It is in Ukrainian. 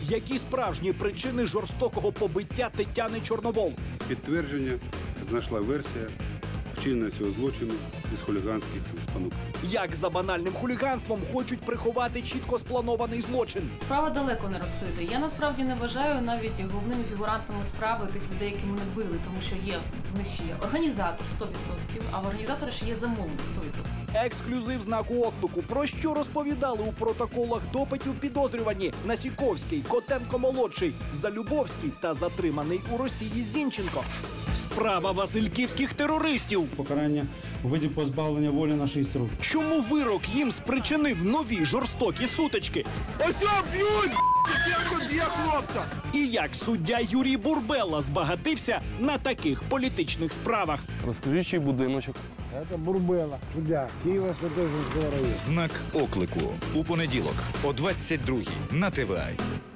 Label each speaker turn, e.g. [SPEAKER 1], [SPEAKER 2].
[SPEAKER 1] Які справжні причини жорстокого побиття Тетяни Чорновол?
[SPEAKER 2] Підтвердження знайшла версія вчинення цього злочину із хуліганських спонук.
[SPEAKER 1] Як за банальним хуліганством хочуть приховати чітко спланований злочин?
[SPEAKER 3] Справа далеко не розкрита. Я насправді не вважаю навіть головними фігурантами справи тих людей, які мене били, тому що в них ще є організатор 100%, а в організатора ще є замовник 100%.
[SPEAKER 1] Ексклюзив знаку оклику. Про що розповідали у протоколах допитів підозрювані Насіковський, Котенко-молодший, Залюбовський та затриманий у Росії Зінченко. Справа васильківських терористів.
[SPEAKER 4] Покарання у виді позбавлення волі на 6 років.
[SPEAKER 1] Чому вирок їм спричинив нові жорстокі сутички?
[SPEAKER 5] Ось б'ють! Є хлопця!
[SPEAKER 1] І як суддя Юрій Бурбела збагатився на таких політичних справах?
[SPEAKER 6] Розкажи, чий будиночок.
[SPEAKER 7] Це Бурбела, суддя Києво-Святошинського району.
[SPEAKER 8] Знак оклику. У понеділок о 22-й на ТВА.